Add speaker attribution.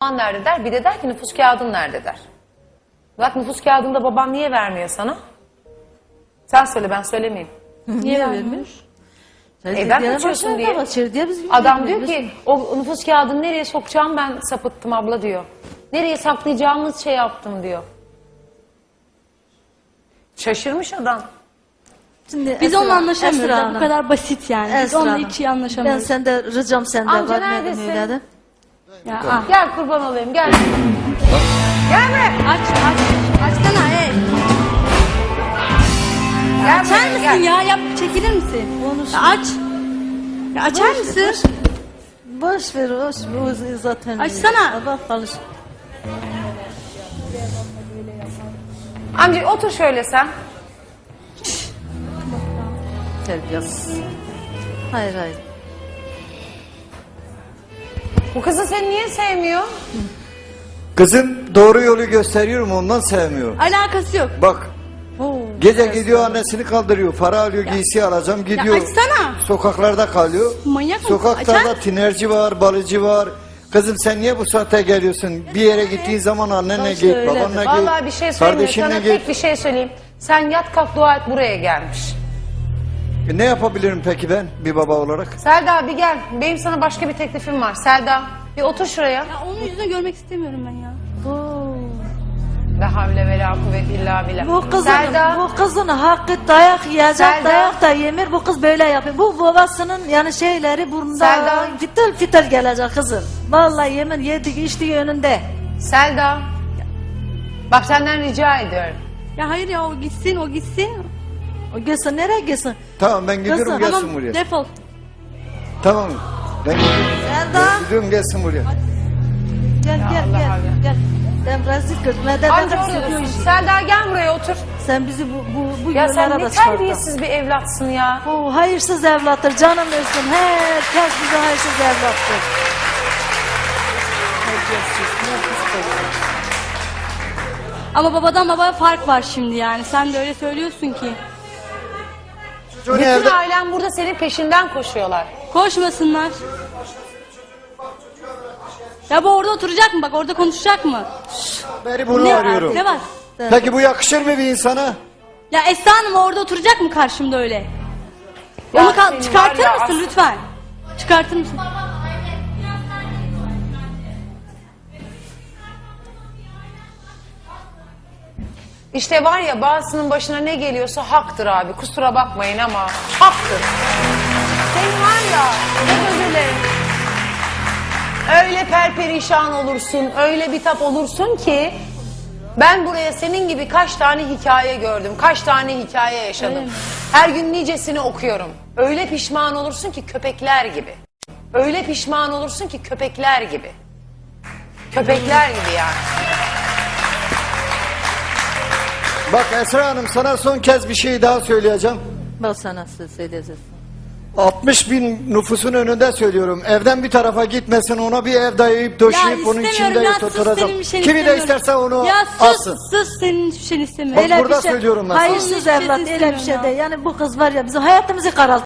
Speaker 1: baban nerede der. Bir de der ki nüfus kağıdın nerede der. Bak nüfus kağıdında baban niye vermiyor sana? Sen söyle, ben söylemeyeyim.
Speaker 2: Niye vermiyor?
Speaker 1: Evden kaçıyorsun diye. Adam diyor ki o nüfus kağıdını nereye sokacağım ben sapıttım abla diyor. Nereye saklayacağımız şey yaptım diyor. Şaşırmış adam.
Speaker 2: Şimdi
Speaker 3: Biz onunla anlaşamıyoruz.
Speaker 2: Esra
Speaker 3: Bu
Speaker 2: Hanım.
Speaker 3: kadar basit yani. Biz
Speaker 2: Esra
Speaker 3: onunla
Speaker 2: Hanım.
Speaker 3: hiç iyi anlaşamıyoruz.
Speaker 2: Ben sende ricam sende
Speaker 1: Amca
Speaker 2: var.
Speaker 1: neredesin?
Speaker 2: Öyle de.
Speaker 3: Ya, ah.
Speaker 1: Gel kurban olayım gel. Gelme.
Speaker 3: Aç. Açsana
Speaker 1: Gel
Speaker 3: Açar
Speaker 1: buraya,
Speaker 3: mısın
Speaker 1: gel.
Speaker 3: ya? Yap, çekilir misin? Ya aç. Ya açar mısın?
Speaker 2: Boş ver, boş ver. O zaten.
Speaker 3: Açsana.
Speaker 2: Bak çalış.
Speaker 1: Amca otur şöyle sen.
Speaker 2: Terbiyesiz. Hayır.
Speaker 1: Bu kızı seni niye sevmiyor?
Speaker 4: Kızım doğru yolu gösteriyorum, ondan sevmiyor.
Speaker 3: Alakası yok.
Speaker 4: Bak gece gidiyor annesini kaldırıyor, para alıyor, giysi alacağım gidiyor.
Speaker 3: açsana.
Speaker 4: Sokaklarda kalıyor.
Speaker 3: Manyak mısın?
Speaker 4: Sokaklarda
Speaker 3: Açar.
Speaker 4: tinerci var, balıcı var. Kızım sen niye bu saatte geliyorsun? Bir yere gittiğin zaman annenle git,
Speaker 2: öyle.
Speaker 4: babanla git,
Speaker 1: Vallahi bir şey söyleyeyim mi?
Speaker 4: kardeşinle
Speaker 1: Sana
Speaker 4: git.
Speaker 1: tek bir şey söyleyeyim. Sen yat kalk dua et buraya gelmiş.
Speaker 4: Ne yapabilirim peki ben bir baba olarak?
Speaker 1: Selda bir gel. Benim sana başka bir teklifim var. Selda bir otur şuraya.
Speaker 3: Ya onun yüzünü görmek istemiyorum ben ya.
Speaker 1: La havle ve la kuvvet illa billah.
Speaker 2: Bu kızın hakkı dayak yiyecek,
Speaker 1: Selda.
Speaker 2: dayak da yemir. Bu kız böyle yapıyor. Bu babasının yani şeyleri burnunda
Speaker 1: Selda.
Speaker 2: fitil gelecek kızım. Vallahi yemin yedik içtiği önünde.
Speaker 1: Selda. Bak senden rica ediyorum.
Speaker 3: Ya hayır ya o gitsin.
Speaker 2: O gitsin nereye gitsin?
Speaker 4: Tamam ben gidiyorum
Speaker 2: Kızım,
Speaker 4: gelsin
Speaker 3: Tamam
Speaker 4: buraya.
Speaker 3: defol.
Speaker 4: Tamam ben gidiyorum.
Speaker 2: Selda.
Speaker 4: Ben gidiyorum gelsin buraya.
Speaker 2: Gel.
Speaker 1: Allah.
Speaker 2: Ben rezil kızım. Neden
Speaker 1: Amca orada dursun. Selda gel buraya otur.
Speaker 2: Sen bizi bu
Speaker 1: Ya sen
Speaker 2: yollara
Speaker 1: ne
Speaker 2: da çıkarttın.
Speaker 1: terbiyesiz bir evlatsın ya.
Speaker 2: O hayırsız evlattır canım ölsün. Herkes bize hayırsız evlattır.
Speaker 3: Ama babadan babaya fark var şimdi yani. Sen de öyle söylüyorsun ki.
Speaker 4: Çocuğun
Speaker 1: Bütün
Speaker 4: evde...
Speaker 1: ailen burada senin peşinden koşuyorlar.
Speaker 3: Koşmasınlar. Ya bu orada oturacak mı? Bak orada konuşacak mı?
Speaker 4: Beri bunu
Speaker 3: Ne,
Speaker 4: arıyorum.
Speaker 3: ne var?
Speaker 4: Peki bu yakışır mı bir insana?
Speaker 3: Ya Esra Hanım orada oturacak mı karşımda öyle?
Speaker 1: Ya
Speaker 3: Onu
Speaker 1: senin
Speaker 3: çıkartır
Speaker 1: var ya
Speaker 3: mısın
Speaker 1: as-
Speaker 3: lütfen? Çıkartır mısın?
Speaker 1: İşte var ya bazısının başına ne geliyorsa haktır abi. Kusura bakmayın ama haktır. Senin var ya çok özür dilerim. Öyle perperişan olursun, öyle bitap olursun ki ben buraya senin gibi kaç tane hikaye gördüm, kaç tane hikaye yaşadım. Her gün nicesini okuyorum. Öyle pişman olursun ki köpekler gibi. Öyle pişman olursun ki köpekler gibi. Köpekler gibi yani.
Speaker 4: Bak Esra Hanım sana son kez bir şey daha söyleyeceğim.
Speaker 2: Bak sana söyleyeceğiz.
Speaker 4: 60 bin nüfusun önünde söylüyorum. Evden bir tarafa gitmesin, ona bir ev dayayıp döşeyip onun içinde
Speaker 3: ya sus
Speaker 4: oturacağım.
Speaker 3: senin bir şeyini
Speaker 4: Kimi de
Speaker 3: istemiyorum.
Speaker 4: isterse onu
Speaker 3: Ya
Speaker 4: alsın.
Speaker 3: sus senin hiçbir şeyini istemiyorum.
Speaker 4: Bak burada söylüyorum ben sana.
Speaker 2: Hayırsız
Speaker 3: Onun hiçbir
Speaker 2: evlat
Speaker 3: şeyini
Speaker 2: öyle bir şey
Speaker 3: istemiyorum
Speaker 2: değil. Yani bu kız var ya bizim hayatımızı kararttı.